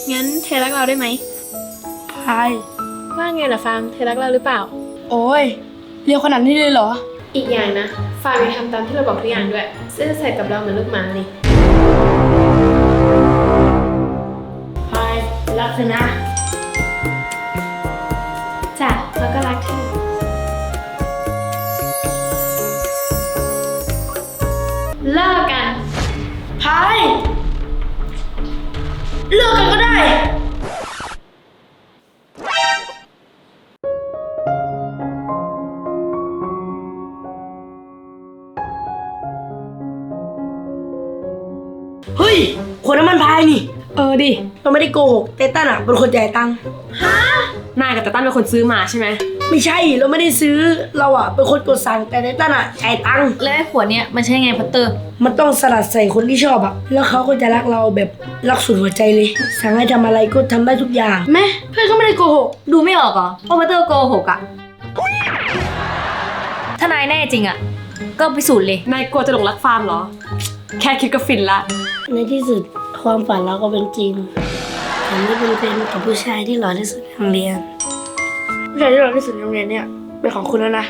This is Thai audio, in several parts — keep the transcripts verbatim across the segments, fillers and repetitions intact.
งั้นเธอรักเราได้ไหมพายว่าไงล่ะฟาร์มเธอรักเราหรือเปล่าโอ้ยเร็วขนาดนี้เลยเหรออีกอย่างนะฟาร์มจะทำตามที่เราบอกทุกอย่างด้วยซื่อสัตย์กับเราเหมือนลูกหมาเลยพายรักเธอนะจ้ะแล้วก็รักเธอเลิกกันพายเลิกกันก็ได้เฮ้ยคนนั้นมันพายนี่เออดิเราไม่ได้โกหกเตตันอ่ะเป็นคนจ่ายตังค์ฮะนายกับตาตั้นเป็นคนซื้อมาใช่ไหมไม่ใช่เราไม่ได้ซื้อเราอ่ะเป็นคนกดสั่งแต่เตตันอ่ะจ่ายตังค์แล้วไอ้ขวดเนี้ยมันใช่ไงพัตเตอร์มันต้องสลัดใส่คนที่ชอบอ่ะแล้วเขาก็จะรักเราแบบรักสุดหัวใจเลยสั่งให้ทำอะไรก็ทำได้ทุกอย่างแม่เพื่อนก็ไม่ได้โกหกดูไม่ออกเหรอว่าพัตเตอร์โกหกอ่ะถ้านายแน่จริงอ่ะก็พิสูจน์เลยนายกลัวจะหลงรักฟาร์มเหรอแค่คิดก็ฟินละในที่สุดความฝันเราก็เป็นจริงฉันได้เป็นแฟนกับผู้ชายที่หล่อที่สุดในโรงเรียนผู้ชายที่หล่อที่สุดในโรงเรียนเนี่ยเป็นของคุณแล้วนะ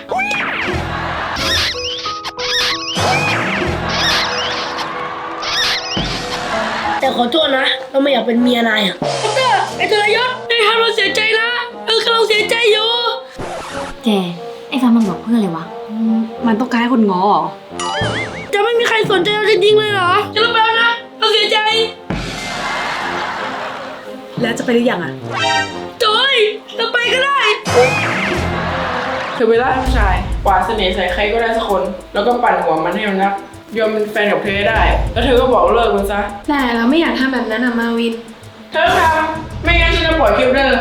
แต่ขอโทษนะเราไม่อยากเป็นเมียนายอ่ะเตอร์ไอ้ทรยศนายทำเราเสียใจนะเออกำลังเสียใจอยู่แกไอ้ฟ้ามันบอกเพื่ออะไรวะมันต้องการให้คนง้อเหรอจะไม่มีใครสนใจเราจริงๆเลยเหรอจะรับแล้วนะเราเสียใจแล้วจะไปหรือยังอ่ะจอยเราไปก็ได้เธอไปล่าผู้ชายกวาดเสน่ห์ใส่ใครก็ได้สักคนแล้วก็ปั่นหัวมันให้มันรักยอมเป็นแฟนกับเธอได้แล้วเธอก็บอกเลิกมันซะแต่เราไม่อยากทำแบบนั้นอะมาวินเธอทำไม่งั้นฉันจะปล่อยคลิปเธอ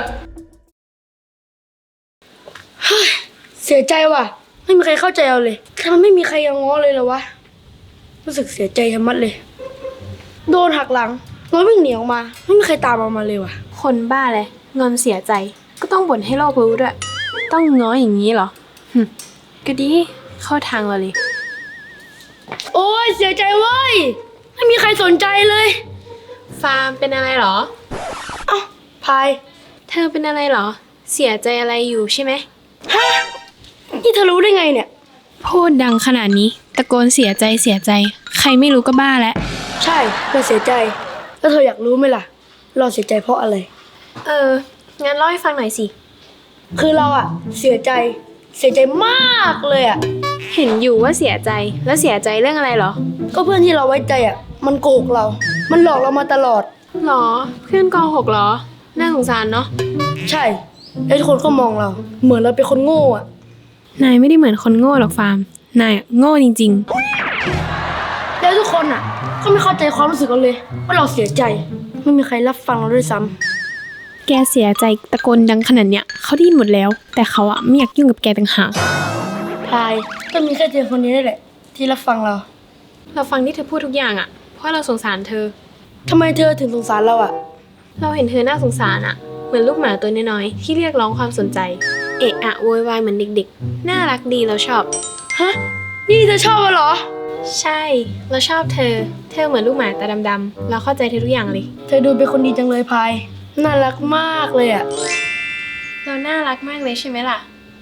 เสียใจว่ะไม่มีใครเข้าใจเราเลยทำไมไม่มีใครยังง้อเลยเหรอวะรู้สึกเสียใจชะมัดเลยโดนหักหลังเราวิ่งหนีออกมาไม่มีใครตามเรามาเลยว่ะคนบ้าเลยงอนเสียใจก็ต้องบ่นให้โลกรู้ด้วยต้องง้ออย่างนี้เหรอหึก็ดีเข้าทางเราเลยโอ้ยเสียใจเว้ยไม่มีใครสนใจเลยฟาร์มเป็นอะไรเหรอเอ้าพายเธอเป็นอะไรเหรอเสียใจอะไรอยู่ใช่ไหมฮะนี่เธอรู้ได้ไงเนี่ยพูดดังขนาดนี้ตะโกนเสียใจเสียใจใครไม่รู้ก็บ้าแล้วใช่เราเสียใจแล้วเธออยากรู้ไหมล่ะเราเสียใจเพราะอะไรเอองั้นเล่าให้ฟังหน่อยสิคือเราอะเสียใจเสียใจมากเลยอะเห็นอยู่ว่าเสียใจแล้วเสียใจเรื่องอะไรเหรอก็เพื่อนที่เราไว้ใจอะมันโกหกเรามันหลอกเรามาตลอดหรอเพื่อนโกหกเหรอน่าสงสารเนาะใช่แล้วทุกคนก็มองเราเหมือนเราเป็นคนโง่อะนายไม่ได้เหมือนคนโง่หรอกฟาร์มนายโง่จริงๆแล้วทุกคนอ่ะก็ไม่เข้าใจความรู้สึกเราเลยว่าเราเสียใจไม่มีใครรับฟังเราด้วยซ้ำแกเสียใจตะโกนดังขนาดเนี้ยเขาได้ยินหมดแล้วแต่เขาอ่ะไม่อยากยุ่งกับแกต่างหากพายก็มีแค่เธอคนนี้แหละที่รับฟังเราเราฟังที่เธอพูดทุกอย่างอ่ะเพราะเราสงสารเธอทำไมเธอถึงสงสารเราอ่ะเราเห็นเธอน่าสงสารอ่ะเหมือนลูกหมาตัวน้อยๆที่เรียกร้องความสนใจเอะอะโวยวายเหมือนเด็กๆน่ารักดีเราชอบฮะนี่เธอชอบเหรอใช่เราชอบเธอเธอเหมือนลูกหมาตาดำๆเราเข้าใจเธอทุกอย่างเลยเธอดูเป็นคนดีจังเลยพายน่ารักมากเลยอ่ะเราน่ารักมากเลยใช่ไหมล่ะ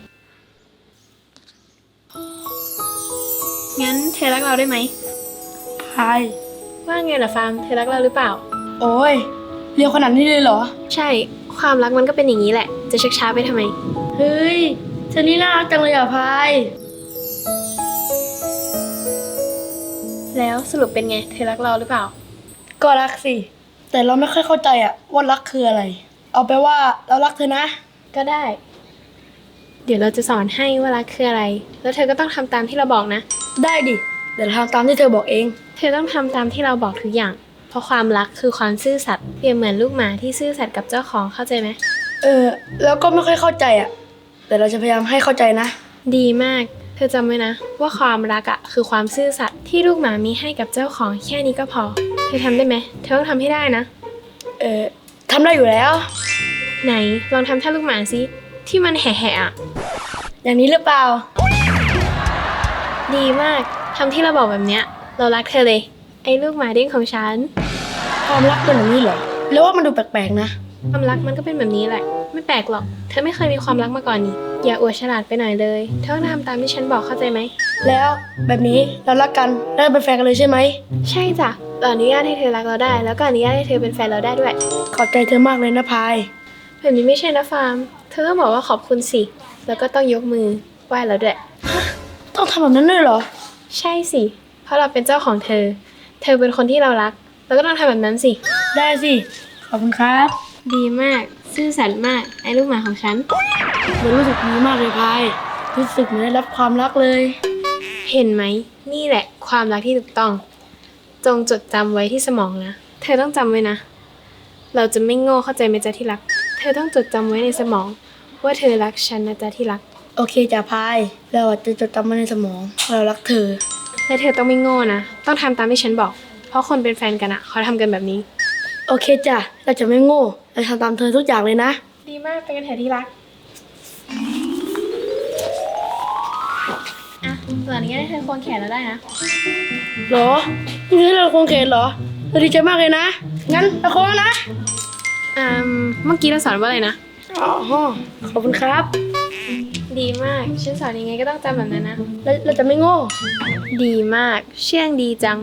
งั้นเธอรักเราได้ไหมพายว่าไงล่ะฟาร์มเธอรักเราหรือเปล่าโอ้ยเร็วขนาดนี้เลยเหรอใช่ความรักมันก็เป็นอย่างนี้แหละจะชักช้าไปทำไมเฮ้ยเธอนี่น่ารักจังเลยอ่ะพายแล้วสรุปเป็นไงเธอรักเราหรือเปล่าก็รักสิแต่เราไม่ค่อยเข้าใจอ่ะว่ารักคืออะไรเอาไปว่าเรารักเธอนะก็ได้เดี๋ยวเราจะสอนให้ว่ารักคืออะไรแล้วเธอก็ต้องทำตามที่เราบอกนะได้ดิเดี๋ยวเราทำตามที่เธอบอกเองเธอต้องทำตามที่เราบอกทุกอย่างเพราะความรักคือความซื่อสัตย์เปรียบเหมือนลูกหมาที่ซื่อสัตย์กับเจ้าของเข้าใจไหมเออแล้วก็ไม่ค่อยเข้าใจอ่ะแต่เราจะพยายามให้เข้าใจนะดีมากเธอจำไว้นะว่าความรักอ่ะคือความซื่อสัตย์ที่ลูกหมามีให้กับเจ้าของแค่นี้ก็พอเธอทำได้ไหมเธอต้องทำให้ได้นะเออทำได้อยู่แล้วไหนลองทำท่าลูกหมาสิที่มันแห่ๆอ่ะอย่างนี้หรือเปล่าดีมากทำที่เราบอกแบบเนี้ยเรารักเธอเลยไอ้ลูกหมาเด้งของฉันความรักเป็นแบบนี้เหรอแล้วว่ามันดูแปลกๆนะความรักมันก็เป็นแบบนี้แหละ ไม่แปลกหรอก เธอไม่เคยมีความรักมาก่อนนี่ อย่าอวดฉลาดไปหน่อยเลย เธอต้องทำตามที่ฉันบอกเข้าใจไหมแล้วแบบนี้เรารักกันแล้วเป็นแฟนกันเลยใช่ไหมใช่จ้ะเราอนุญาตให้เธอรักเราได้ แล้วก็อนุญาตให้เธอเป็นแฟนเราได้ด้วยขอบใจเธอมากเลยนะพายแบบนี้ไม่ใช่นะฟาร์ม เธอต้องบอกว่าขอบคุณสิ แล้วก็ต้องยกมือไหว้เราด้วยต้องทำแบบนั้นด้วยเหรอใช่สิ เพราะเราเป็นเจ้าของเธอ เธอเป็นคนที่เรารัก เราก็ต้องทำแบบนั้นสิได้สิ ขอบคุณครับดีมาก ซื่อสัตย์มาก ไอ้ลูกหมาของฉันมันรู้สึกดีมากเลยพาย รู้สึกเหมือนได้รับความรักเลยเห็นไหม นี่แหละความรักที่ถูกต้อง จงจดจำไว้ที่สมองนะ เธอต้องจำไว้นะ เราจะไม่โง่เข้าใจไหมจ๊ะที่รัก เธอต้องจดจำไว้ในสมอง ว่าเธอรักฉันนะจ๊ะที่รักโอเคจ้ะพาย เราอาจจะจดจำมันในสมองว่าเรารักเธอและเธอต้องไม่โง่นะ ต้องทำตามที่ฉันบอก เพราะคนเป็นแฟนกันอะเขาทำกันแบบนี้โอเคจ้ะ เราจะไม่โง่ เราทำตามเธอทุกอย่างเลยนะดีมากไปกันเถอะที่รัก อ่ะตอนนี้ให้เธอควงแขนเราได้นะเหรอ นี่ให้เราควงแขนเหรอ เราดีใจมากเลยนะ งั้นเราควงนะอืม เมื่อกี้เราสอนว่าอะไรนะอ๋อ ขอบคุณครับดีมาก ฉันสอนยังไงก็ต้องจำแบบนั้นนะเราเราจะไม่โง่ดีมาก เชื่องดีจัง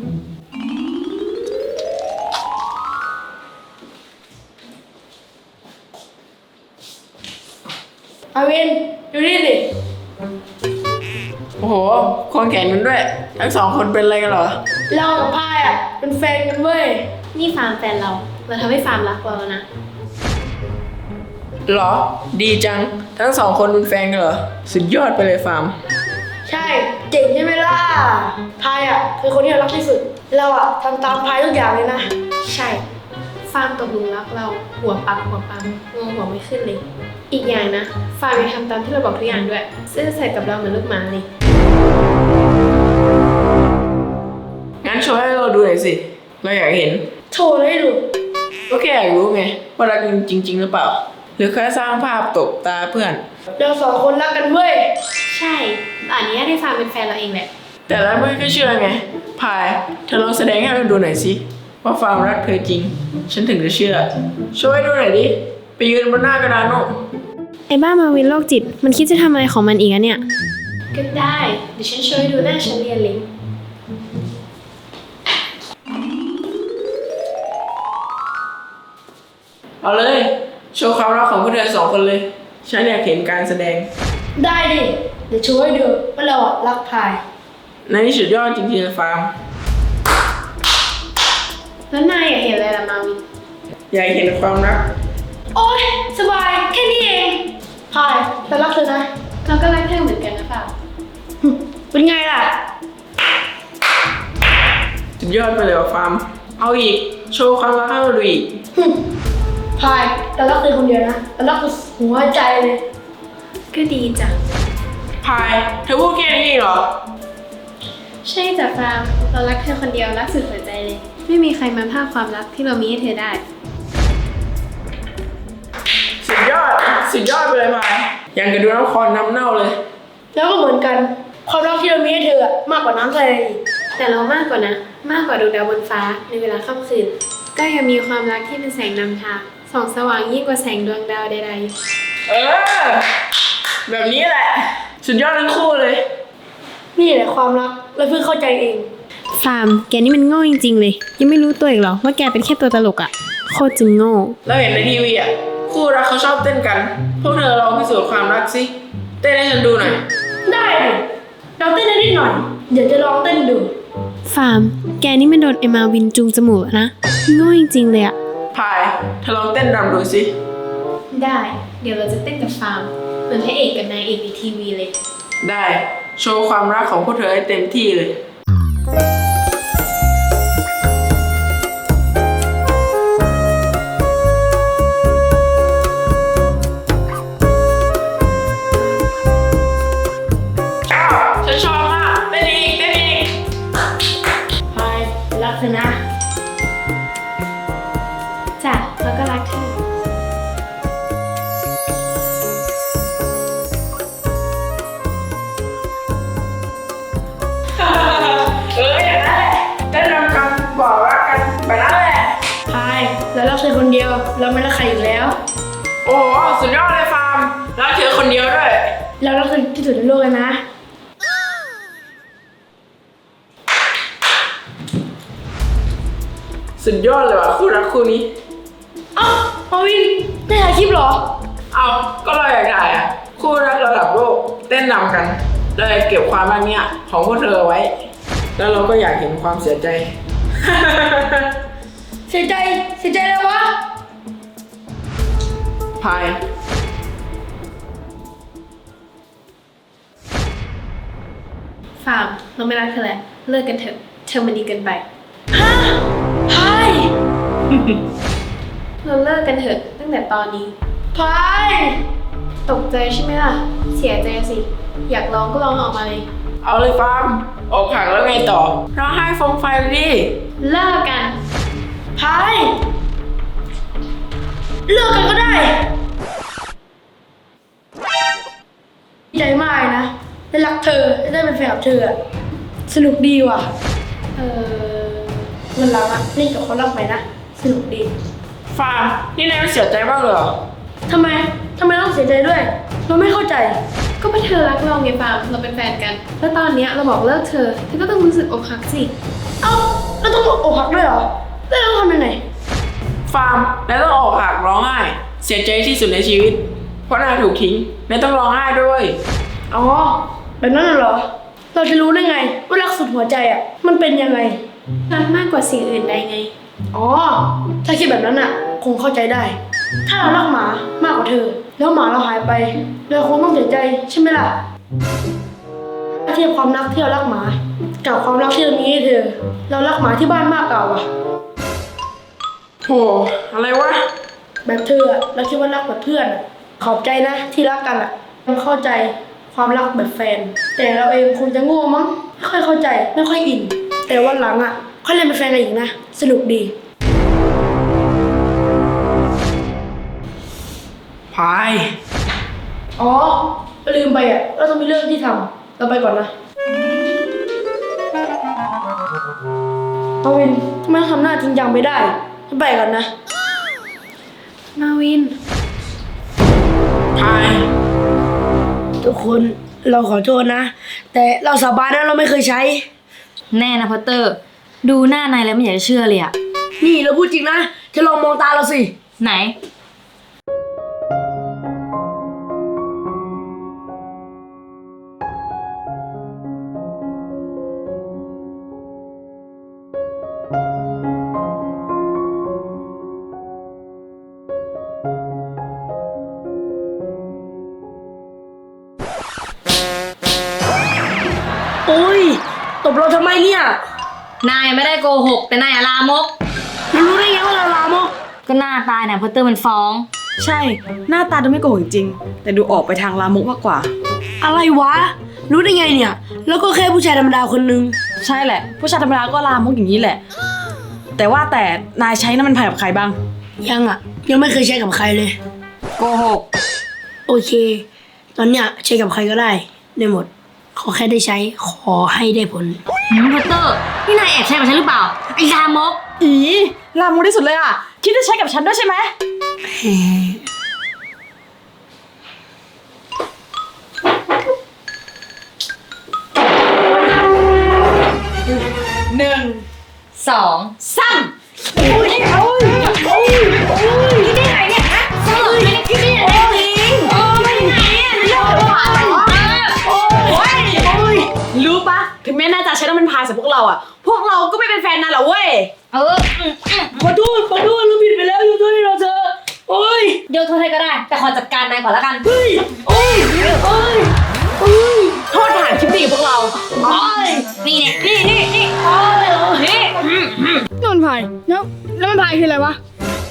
อาวิน ดูนี่สิโอ้โหควงแขนกันด้วย ทั้งสองคนเป็นอะไรกันเหรอเรากับพายอ่ะ เป็นแฟนกันเว้ยนี่ฟาร์มแฟนเรา เราทำให้ฟาร์มรักเราแล้วนะเหรอ ดีจัง ทั้งสองคนเป็นแฟนกันเหรอ สุดยอดไปเลยฟาร์มใช่ เจ๋งใช่ไหมล่ะ พายอ่ะคือคนที่เรารักที่สุด เราอ่ะทำตามพายทุกอย่างเลยนะใช่ ฟาร์มตกหลุมรักเรา หัวปักหัวปั๊มงงหัวไม่ขึ้นเลย อีกอย่างนะ ฟาร์มยังทำตามที่เราบอกทุกอย่างด้วย ซื่อสัตย์กับเราเหมือนลูกหมาเลยงั้นโชว์ให้เราดูหน่อยสิ เราอยากเห็นโชว์เลยให้ดูก็แค่อยากรู้ไงว่ารักกันจริง ๆ หรือเปล่า หรือแค่สร้างภาพตบตาเพื่อนเราสองคนรักกันเว้ยใช่ตอนนี้ให้ฟาร์มเป็นแฟนเราเองแหละแต่แล้วไม่ก็เชื่อไง พาย เธอลองแสดงให้เราดูหน่อยสิ ว่าฟาร์มรักเธอจริง ฉันถึงจะเชื่อ ช่วยดูหน่อยดิ ไปยืนบนหน้ากระดานโน่ไอ้บ้ามาวินโรคจิต มันคิดจะทำอะไรของมันอีกอะเนี่ย ก็ได้ เดี๋ยวฉันช่วยดูหน้าฉันเรียนลิงเอาเลย โชว์ความรักของพวกเธอสองคนเลย ฉันอยากเห็นการแสดงได้ดิ เดี๋ยวโชว์ให้ดูว่าเราอ่ะรักพายในที่สุดยอดจริงๆเลยฟาร์มแล้วนายอยากเห็นอะไรล่ะมาวินอยากเห็นความรักโอ๊ย สบาย แค่นี้เอง พายเรารักเธอนะเราก็รักเธอเหมือนกันนะฟาร์มหึเป็นไงล่ะสุดยอดไปเลยว่ะฟาร์ม เอาอีก โชว์ความรักให้เราดูอีกหึพายเรารักเธอคนเดียวนะเรารักเธอหัวใจเลยก็ดีจ้ะพาย เธอพูดแค่นี้เองเหรอใช่จ้ะฟาร์ม เรารักเธอคนเดียวรักสุดหัวใจเลย ไม่มีใครมาภาคความรักที่เรามีให้เธอได้สุดยอด สุดยอดไปเลยพายยังกระดูน้ำคอนน้ำเน่าเลยแล้วก็เหมือนกัน ความรักที่เรามีให้เธออะมากกว่าน้ำทะเลอีกแต่เรามากกว่านะ มากกว่าดวงดาวบนฟ้าในเวลาค่ำคืน ก็ยังมีความรักที่เป็นแสงนำทางส่องสว่างยิ่งกว่าแสงดวงดาวใดเออ แบบนี้แหละ สุดยอดทั้งคู่เลยนี่แหละความรักเราเพิ่งเข้าใจเองๆ ฟาร์ม แกนี่มันโง่จริงๆเลย ยังไม่รู้ตัวอีกเหรอว่าแกเป็นแค่ตัวตลกอะโคตรจึงโง่เราเห็นในทีวีอ่ะ คู่รักเขาชอบเต้นกัน พวกเธอลองพิสูจน์ความรักสิ เต้นให้ฉันดูหน่อยได้ดิเราเต้นได้นิดหน่อย เดี๋ยวจะลองเต้นดูฟาร์ม แกนี่มันโดนเอมาวินจูงจมูกอะนะ โง่จริงๆเลยอะพาย เธอลองเต้นรำดูสิได้ เดี๋ยวเราจะเต้นกับฟาร์ม เหมือนพระเอกกับนายเอกในทีวีเลยได้ โชว์ความรักของพวกเธอให้เต็มที่เลย ชอบ ฉันชอบมาก เต้นอีก เต้นอีกพายรักเธอนะจ้ะแล้วก็รักเธอเอออย่างนั้นแหละเต้นรำกันบอกรักกันแบบนั้นแหละพายเราเรารักเธอคนเดียว เราไม่รักใครอีกแล้วโอ้โหสุดยอดเลยฟาร์มรักเธอคนเดียวด้วยเรารักเธอที่สุดในโลกเลยนะสุดยอดเลยว่ะคู่รักคู่นี้เอ้ามาวินได้ถ่ายคลิปเหรอเอาก็เราอยากถ่ายอ่ะคู่รักระดับโลกเต้นนำกันเลยเก็บความรักเนี้ยของพวกเธอไว้ แล้วเราก็อยากเห็นความเสียใจเสียใจ เสียใจแล้ววะพายฟาร์มเราไม่รักเธอแล้วเลิกกันเถอะเธอมันดีเกินไปฮะพายเราเลิกกันเถอะตั้งแต่ตอนนี้พายตกใจใช่ไหมล่ะ เสียใจสิ อยากร้องก็ร้องออกมาเลยเอาเลยฟาร์มออกหักแล้วไงต่อร้องไห้ฟงไฟไปดิเลิกกันพายเลิกกันก็ได้ดีใจมากเลยนะ ได้รักเธอ ได้เป็นแฟนกับเธออะสนุกดีว่ะเออวันหลังอะเล่นกับเขารักไปนะ สนุกดีฟาร์มนี่นายไม่เสียใจบ้างเลยเหรอทำไม ทำไมต้องเสียใจด้วย เราไม่เข้าใจก็เป็นเธอรักเราไงฟาร์มเราเป็นแฟนกัน แล้วตอนเนี้ยเราบอกเลิกเธอเธอก็ต้องรู้สึกอกหักสิเอ้าแล้วต้องอกหักด้วยเหรอ แล้วเราทำยังไงฟาร์มนายต้องออกหักร้องไห้เสียใจที่สุดในชีวิต เพราะนายถูกทิ้งนายต้องร้องไห้ด้วยอ๋อ แบบนั้นน่ะเหรอ เราจะรู้ได้ไงว่ารักสุดหัวใจอ่ะ มันเป็นยังไงรักมากกว่าสิ่งอื่นใดไงอ๋อ ถ้าคิดแบบนั้นอ่ะ คงเข้าใจได้ ถ้าเรารักหมามากกว่าเธอ แล้วหมาเราหายไป เราคงต้องเสียใจใช่ไหมล่ะถ้าเทียบความรักที่เรารักหมา กับความรักที่เรามีให้เธอ เรารักหมาที่บ้านมากกว่าว่ะโหอะไรวะแบบเธออะเราคิดว่ารักแบบเพื่อนอะขอบใจนะที่รักกันอะยังเข้าใจความรักแบบแฟน แต่เราเองคงจะโง่มั้งไม่ค่อยเข้าใจไม่ค่อยอิน แต่วันหลังอะค่อยเล่นเป็นแฟนกันอีกนะสนุกดีพายอ๋อลืมไปอะเราต้องมีเรื่องที่ทำเราไปก่อนนะเอาวินทำไมทำหน้าจริงจังไม่ได้ฉันไปก่อนนะมาวินพายทุกคนเราขอโทษนะ แต่เราสาบานนะเราไม่เคยใช้แน่นะพอตเตอร์ ดูหน้านายแล้วไม่อยากจะเชื่อเลยอะนี่เราพูดจริงนะเธอลองมองตาเราสิไหนโอ้ยตบเราทำไมเนี่ยนายไม่ได้โกหกแต่นายอะลามกเรารู้ได้ไงว่าเราลามกก็หน้าตายเนี่ยพอตเตอร์มันฟ้องใช่ หน้าตาดูไม่โกหกจริง แต่ดูออกไปทางลามกมากกว่าอะไรวะ รู้ได้ไงเนี่ย แล้วก็แค่ผู้ชายธรรมดาคนนึงใช่แหละ ผู้ชายธรรมดาก็ลามกอย่างนี้แหละ แต่ว่าแต่นายใช้น้ำมันพายกับใครบ้างยังอ่ะ ยังไม่เคยใช้กับใครเลยโกหกโอเค ตอนเนี้ยใช้กับใครก็ได้ได้หมด ขอแค่ได้ใช้ ขอให้ได้ผลหืมพอตเตอร์ นี่นายแอบใช้กับฉันหรือเปล่า ไอ้ลามกอีลามกที่สุดเลยอ่ะ คิดจะใช้กับฉันด้วยใช่ไหม หนึ่งสองสามคิดได้ไงเนี่ยฮะเสมอไม่ได้คิดได้ยังไงจริงโอ้ไม่ไงอ่ะเรื่องหวานเหรอโอ้ยรู้ปะถึงแม้นายจะใช้น้ำมันพายใส่พวกเราอ่ะ พวกเราก็ไม่เป็นแฟนนายหรอกเว้ยเอออืมอืมขอโทษขอโทษเราผิดไปแล้วยกโทษให้เราเถอะโอ้ยยกโทษให้ก็ได้ แต่ขอจัดการนายก่อนละกันเฮ้ยโอ้ยโอ้ยโอ้ยโทษฐานคลิปดีกับพวกเราโอ้ยนี่เนี่ยนี่นี่นี่โอ้ยนี่อืมอืมนี่มันพายแล้วแล้วมันพายคืออะไรวะ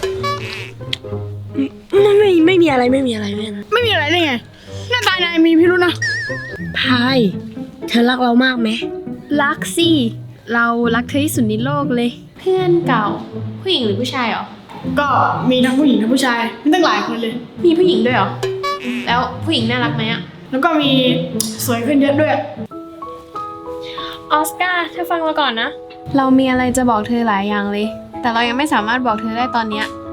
ไม่ไม่ไม่มีอะไรไม่มีอะไรไม่มีอะไรไม่มีอะไรได้ไงหน้าตานายมีพิรุธนะพายเธอรักเรามากไหมรักสิ เรารักเธอที่สุดในโลกเลย เพื่อนเก่า ผู้หญิงหรือผู้ชายเหรอก็มีทั้งผู้หญิงทั้งผู้ชายมีตั้งหลายคนเลยมีผู้หญิงด้วยเหรอ แล้วผู้หญิงน่ารักไหมอะแล้วก็มีสวยขึ้นเยอะด้วยออสการ์เธอฟังเราก่อนนะ เรามีอะไรจะบอกเธอหลายอย่างเลยแต่เรายังไม่สามารถบอกเธอได้ตอนเนี้ย